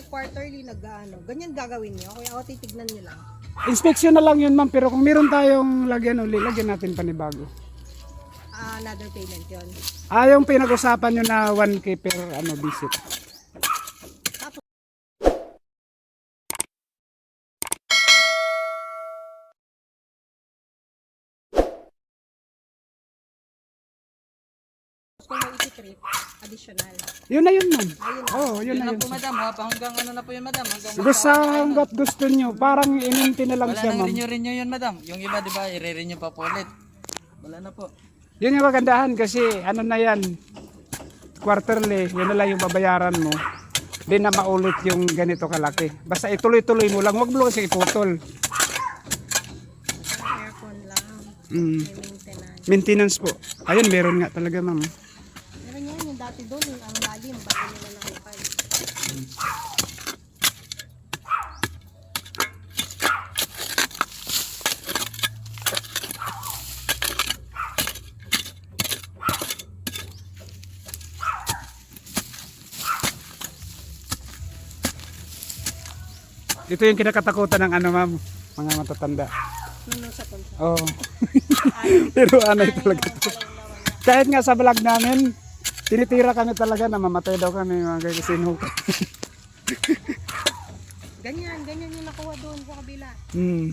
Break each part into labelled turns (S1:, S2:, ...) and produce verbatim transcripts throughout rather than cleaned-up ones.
S1: quarterly nag-ano. Ganyan gagawin niyo. Kaya ako titignan niyo lang.
S2: Inspection na lang yun ma'am, pero kung meron tayong lagyan uli, lagyan natin panibago.
S1: Ah, another payment yun.
S2: Ah, yung pinag-usapan nyo na one K per ano, visit.
S1: Kung may isi-trip, additional.
S2: Yun na yun ma'am.
S1: Ayun.
S2: Oo, oh, yun
S3: Yun
S2: na
S3: lang
S2: yun.
S3: po madam, ha? Hanggang ano na po yun madam? Hanggang
S2: Gusto hanggat gusto nyo, parang ininti na lang
S3: wala
S2: siya
S3: nang
S2: ma'am.
S3: renew-renew yun madam. Yung iba di ba, i-renew pa po ulit. Wala na po.
S2: Yun yung kagandahan kasi ano na yan, quarterly, yun na lang yung babayaran mo. Di na maulit yung ganito kalaki. Basta ituloy-tuloy mo lang, wag mo kasi iputol.
S1: Aircon lang.
S2: Mm.
S1: May maintenance.
S2: Maintenance po. Ayun, meron nga talaga ma'am.
S1: Meron yan yung dati doon, yung ang lalim, bago nila nakipal.
S2: Ito yung kinakatakutan ng ano ma'am, mga matatanda.
S1: Nuno sa punta.
S2: Oo. Pero anay talaga. Kahit nga sa vlog namin, tinitira kami talaga na mamatay daw kami mga kasinuka.
S1: Ganyan, ganyan yung nakuha doon sa kabila.
S2: Hmm.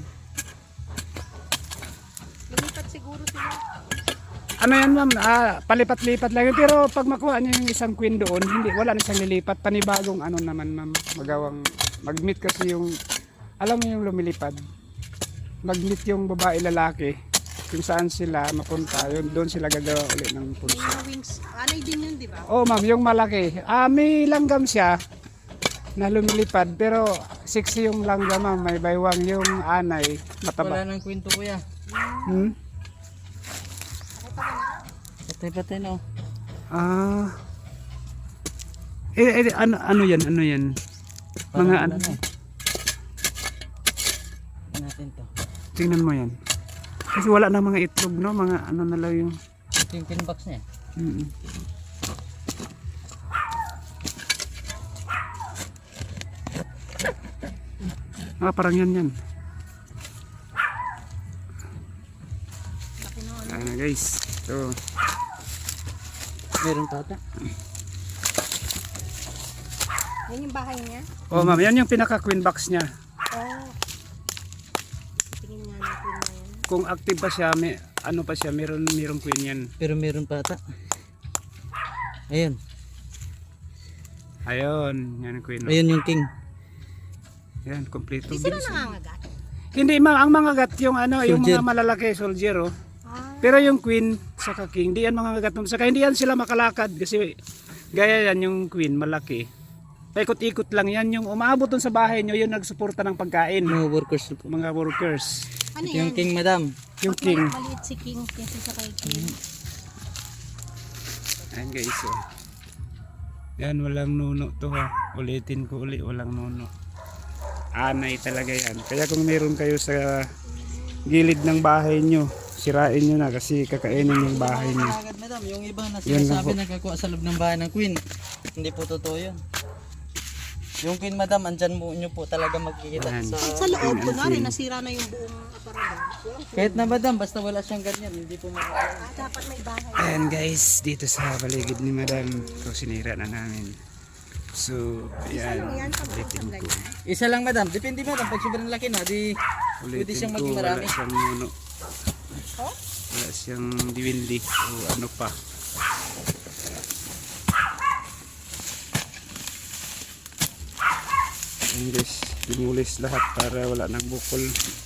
S1: Lumipat siguro sila.
S2: Ano yan ma'am, ah, palipat-lipat lang yun. Pero pag makuha niyo yung isang queen doon, hindi, wala na siyang lilipat. Panibagong ano naman ma'am, magawang, mag-meet kasi yung, alam mo yung lumilipad. Mag-meet yung babae lalaki, kung saan sila mapunta, yun, doon sila gagawa ulit ng
S1: May
S2: pulsa.
S1: mga wings. Anay din yun, di ba?
S2: Oh ma'am, yung malaki. Ah, may langgam siya na lumilipad, pero sexy yung langgam ma'am, may baywang yung anay, mataba.
S3: Wala nang kwento kuya.
S2: Hmm?
S3: Patay-patay na oh.
S2: Ah. Eh, eh ano ano 'yan? Ano 'yan? Mga ano?
S3: Ano natin to.
S2: Tingnan mo 'yan. Kasi wala na mga itlog, no? Mga ano na lang yung
S3: Ito yung tin box niya.
S2: mm. Ah, parang yan yan. Ano guys? Ito.
S3: Meron pa ata.
S1: Yan yung bahay niya.
S2: Oh, ma'am, yan yung pinaka queen box niya.
S1: Oh. Tingin nga natin na yan.
S2: Kung active pa siya, may ano pa siya, meron merong queen yan.
S3: Pero meron pa ata. Ayun.
S2: Ayun, yan ang queen.
S3: Ayun yung king.
S2: Yan, kompleto.
S1: Di sila nangangagat.
S2: Hindi, ma ang mga gat yung ano, yung
S3: Soldier.
S2: mga malalaki soldier, oh.
S1: Ah.
S2: Pero yung queen sa king, hindi yan mga gat. Saka hindi yan sila makalakad kasi gaya yan yung queen malaki. Paikot-ikot lang yan yung umaabot dun sa bahay nyo, yung nagsuporta ng pagkain.
S3: Mga workers po.
S2: Mga workers.
S1: Ano
S3: Ito
S1: yan?
S3: yung king madam.
S2: Yung
S1: Mas
S2: king.
S1: mali- Maliit si King kasi sa kay King.
S2: Ayan guys, oh. Yan, walang nuno to ha. Ulitin ko uli, walang nuno. Anay talaga yan. Kaya kung meron kayo sa gilid ng bahay nyo, sirain nyo na kasi kakainin yung bahay nyo.
S3: Agad madam, yung iba na
S2: Yan lang
S3: sinasabi
S2: po.
S3: nagkakuha sa loob ng bahay ng queen. Hindi po totoo yun. Yung queen madam, andyan mo nyo po talaga magkikita
S2: Ayan.
S3: sa...
S1: Sa loob,
S2: Queen and
S1: kunwari,
S2: queen.
S1: nasira na yung buong aparador.
S3: Kahit na madam, basta wala siyang ganyan, hindi po makakain.
S1: Ah, dapat may bahay.
S2: Ayan guys, dito sa paligid ni madam, ito sinira na namin. So, ayan,
S1: Ano yan? Pag
S2: ulitin ko.
S3: Isa lang madam, depende madam, pag sobrang laki na, di pwede
S2: Ulitin
S3: siyang
S2: ko,
S3: maging
S2: wala
S3: marami.
S2: siyang nuno.
S1: Oh?
S2: Wala siyang diwindi o ano pa. Ayan guys, dinulis lahat para wala nang bukol.